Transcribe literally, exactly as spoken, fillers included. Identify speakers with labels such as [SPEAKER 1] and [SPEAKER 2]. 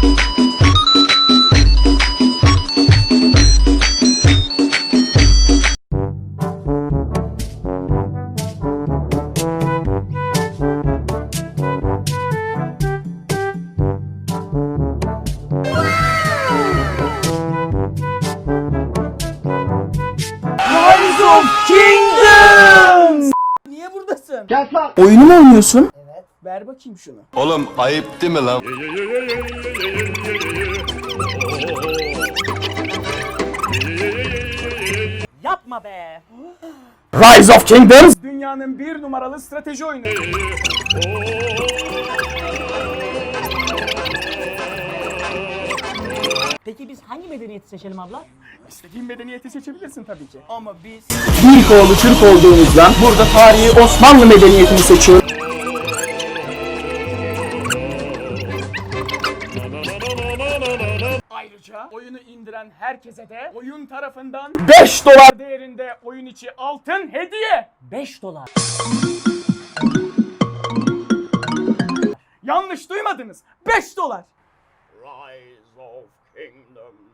[SPEAKER 1] Kingdoms! Niye buradasın?
[SPEAKER 2] Gel lan.
[SPEAKER 1] Oyunu mu oynuyorsun? Evet. Ver bakayım şunu.
[SPEAKER 3] Oğlum ayıp değil mi lan?
[SPEAKER 1] Yapma be. Rise of Kingdoms dünyanın bir numaralı strateji oyunu.
[SPEAKER 4] Peki biz hangi medeniyeti seçelim abla?
[SPEAKER 1] İstediğin medeniyeti seçebilirsin tabii ki. Ama biz İlk oğlu Türk olduğumuzdan burada tarihi Osmanlı medeniyetini seçiyoruz. Ayrıca oyunu indiren herkese de oyun tarafından beş dolar değerinde oyun içi altın hediye.
[SPEAKER 4] beş dolar.
[SPEAKER 1] Yanlış duymadınız. beş dolar. Rise of Kingdoms.